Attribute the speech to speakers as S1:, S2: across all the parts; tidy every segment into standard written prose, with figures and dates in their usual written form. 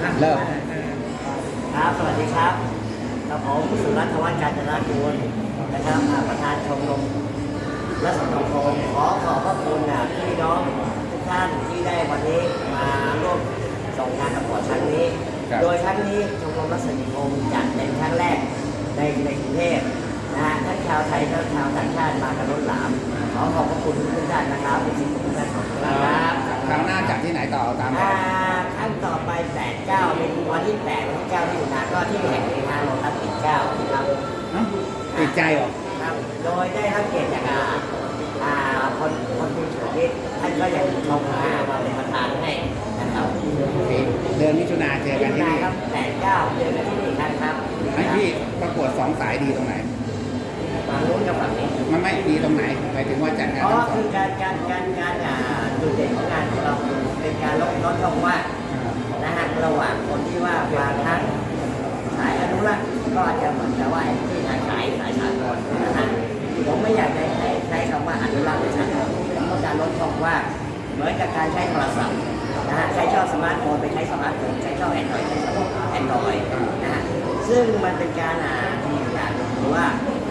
S1: เริ่ม
S2: ครับสวัสดีครับกับผมสุรัตน์ วัฒน์ กาญจนากูลนะครับประธานชมรมและสังคมขอขอบพระคุณพี่น้องทุกท่านที่ได้วันนี้มาร่วมส่งงานประกวดครั้งนี้โดยครั้งนี้ชมรมรัศมีคมจัดเป็นครั้งแรกในกรุงเทพนะฮะทั้งชาวไทยทั้งชาวต่างชาติมากันล้นหลามขอขอบพระคุณทุกท่านนะครับเป็นสิ่งที่ทุกท่านขอบคุณครับ
S1: คราวหน้าจัดที่ไหนต่อตาม
S2: ครั้งต่อไป8-9เป็นวันที่8วันที่9ที่9ก็ที่แห่งนี้โลตัสปิ่นเกล้าครับ
S1: ติดใจเหรอ
S2: ครับโดยได้รับเกียรติจากคนที่เฉลิมท่านก็ยังชมมาเป็นประธานให้นะครับ
S1: เดือนมิถุนาเจอกันที่นี่
S2: ครับ8-9เจอกันที่นี่ครับ
S1: ให้พี่ประกวด2สายดีตรงไหน
S2: ฝั่งนู้นกับฝั่งนี้
S1: มันไม่ดีตรงไหนหมายถึงว่าจัดงาน
S2: คือการจุดเด่นของงานของเราเป็นการลดช่องว่างนะฮะระหว่างคนที่ว่าบางครั้งสายอนุรักษ์ก็อาจจะเหมือนกับว่าที่สายสากลนะฮะผมไม่อยากใช้คำว่าอนุรักษ์หรือสากลต้องการลดช่องว่างเหมือนกับการใช้โทรศัพท์นะฮะใช้ช่องสมาร์ทโฟนไปใช้สมาร์ทโฟนใช้ช่องแอนดรอยใช้ช่องแอนดรอยนะฮะซึ่งมันเป็นการที่อยากรู้ว่า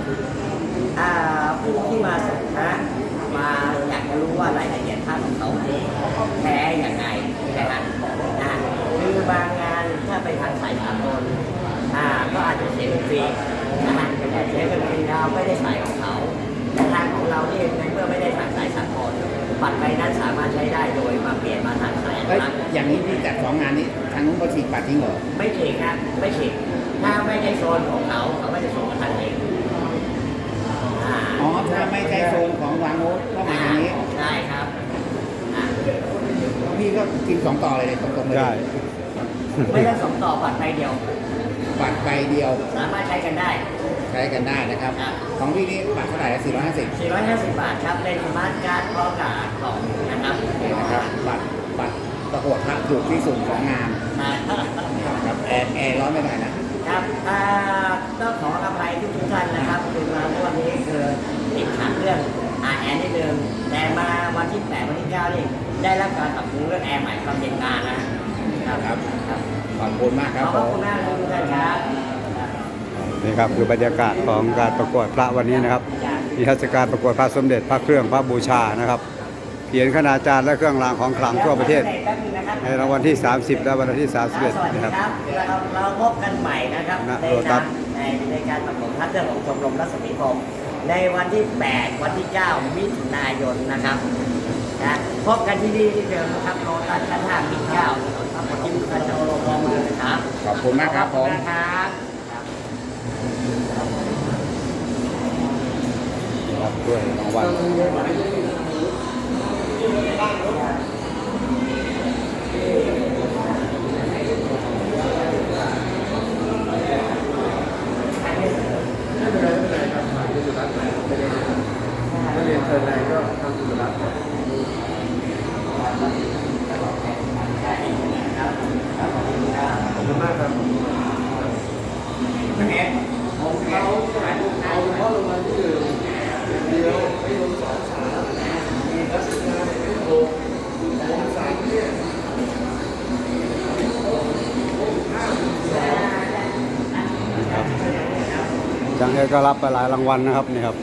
S2: ผู้ที่มาสัมภาษณ์มาอยากจะรู้ว่ารายละเอียดภาพของเขาแท้อย่างไรนะครับคือบางงานถ้าไปทางสายสากลก็อาจจะเสียเงินฟรีนะฮะเสียเงินฟรีเราไม่ได้สายของเขาแต่ทางของเราเนี่ยในเมื่อไม่ได้ทางสายสากลบัตรใบนั้นสามารถใช้ได้โดยมาเปลี่ยนมาทางสายอนุรักษ์
S1: อย่างนี้พี่จัด2งานนี้ทางนู้นเขาฉีกบัตรทิ้งเหรอ
S2: ไม่ฉีกครับไม่ฉีกถ้าไม่ใช่โซนของเขาไม่จะส่งมาทางเอง
S1: อ๋อถ้าไม่ใช่โซนของวางโน้ตก็มาทางนี้
S2: ใช่ครับ
S1: พี่ก็กิน2ต่อเลยตรงๆเลย
S3: ได้
S2: ไม่ต้อง2ต่อบัตรใบเดียว
S1: บัตรใบเดียว
S2: สามารถใช้กันได้
S1: นะครับของพี่นี่บัตรเท่าไหร่
S2: 450 บาทครับเป็นสมาร์ทการ์ดพร้อมกับกล่องนะครับ
S1: บัตรประกวดพระถูกที่สุดของงานครับแอร์ร้อนไม่ได้
S2: นะครับต้องขออภัยทุกท่านนะครับคือมาวันนี้คือติดขัดเรื่องแอร์นิดนึงแต่มาวันที่8วันที่9นี่ได้รับการปรับปรุงเรื่องแอร์ใหม่ความเย็นนานนะครับ
S1: ขอบคุณมากครับ
S2: ขอบคุณมากทุกท่านครับ
S3: นี่ครับคือบรรยากาศของการประกวดพระวันนี้นะครับนิทรรศการประกวดพระสมเด็จพระเครื่องพระบูชานะครับเขียนคณาจารย์และเครื่องรางของขลังทั่วประเทศในรางวัลที่30และวันที่31นะครับ
S2: เราพบกันใหม่นะครับในการประกวดพระเครื่องของชมรมรัศมีคมในวันที่8วันที่9มิถุนายนนะครับพบกันที่นี่ที่เดิมนะครับโลตัสชั้น5มิตร9ถนนพระพุทธชินชโลมมือนะครับ
S1: ขอบคุณมากครับผม
S3: ครับด้วยรางวัล
S4: เรียนเชิญนายก็ทำสุดรัตน์ขอบคุณมากครับของเขาเอาเฉพาะโรงงานที่1เดียวไม่ลง2 3มีรัชกาลที่6อง3เนี่ย
S3: จังเอก็รับไปหลายรางวัลนะครับนี่ครับ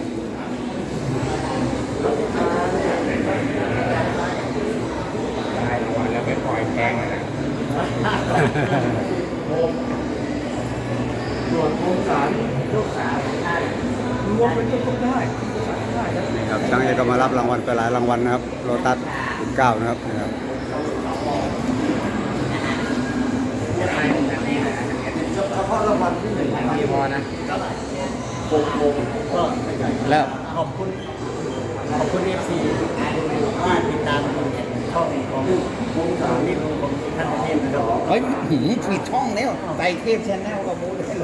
S1: แล้วไปปล่อยแพงเลยนะ
S4: ตรวจโครงสาร
S2: ลูกสาว
S4: รวมเป็นต้นได้
S3: นี่ครับจังเอก็มารับรางวัลไปหลายรางวัลนะครับโลตัส9นะครับนี่ครับ
S4: เฉพาะรางวัลที่1
S1: มีพอนะ
S4: 6 โมงก็
S1: เริ่ม
S2: ขอบคุณFC ว่าติดตามช่องของนี่ของท่านประเทศนะครับ
S1: เฮ้ยผิดช่องแล้วไต่เทพชแนลกับมูเลยโล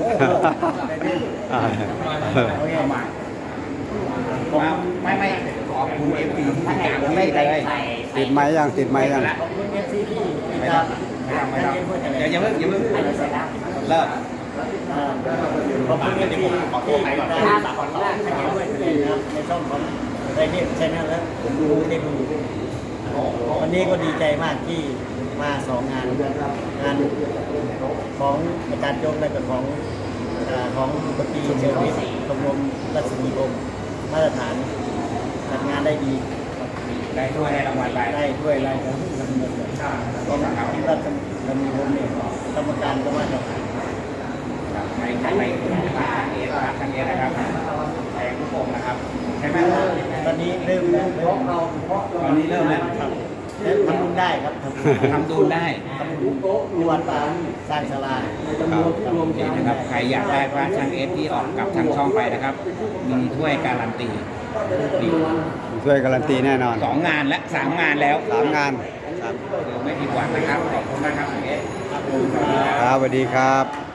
S1: ไม่ขอบคุณเอฟซีที่ติดตามพี่เลย
S3: ติดไหมยัง
S2: ขอบคุณเอฟซีที่
S1: ไม่ต้องอย่าเพิ่งเริ่ม
S2: ขอบคุณที่ขอโทษไปก่อนขอโทษให้ด้วยนะครับในช่องของไทยเทพชแนลแล้วผมดูวันนี้ก็ดีใจมากที่มา2 งานงานของอาจารย์โจ๊กและก็ของปตรีเชลวิทย์ชมรมรัศมีคมมาตรฐานจัดงานได้ดี
S1: ได้ด้วยได้รางวัลไป
S2: ได้ด้วยรายการที่ทำเงินเลยก็มาที่รัศมีคมเนี่ยกรรมการก็มาตรฐาน
S1: ไปทางเอนะครับแทงทุกองนะครับใช่ไหม
S2: ตอนนี้เริ่มแล้ว
S1: ตอนนี้เริ่มแล้ว
S2: ครับทำบุญได้ครับทำบุญ
S1: ทำดูได้
S2: ทำบุญที่วัดป่าสร้างศาลา
S1: นี่นะครับใครอยากได้พระช่างเอฟที่ออกกับทางช่องไปนะครับ มีถ้วยการันตีนี่
S3: ช่วยการันตีแน่นอน
S1: 2 งานและ 3 งานแล้ว
S3: 3 งานครับ
S1: คือไม่ผิดหวังนะครับขอบคุณมากครับช่างเอฟ
S3: ครับสวัสดีครับ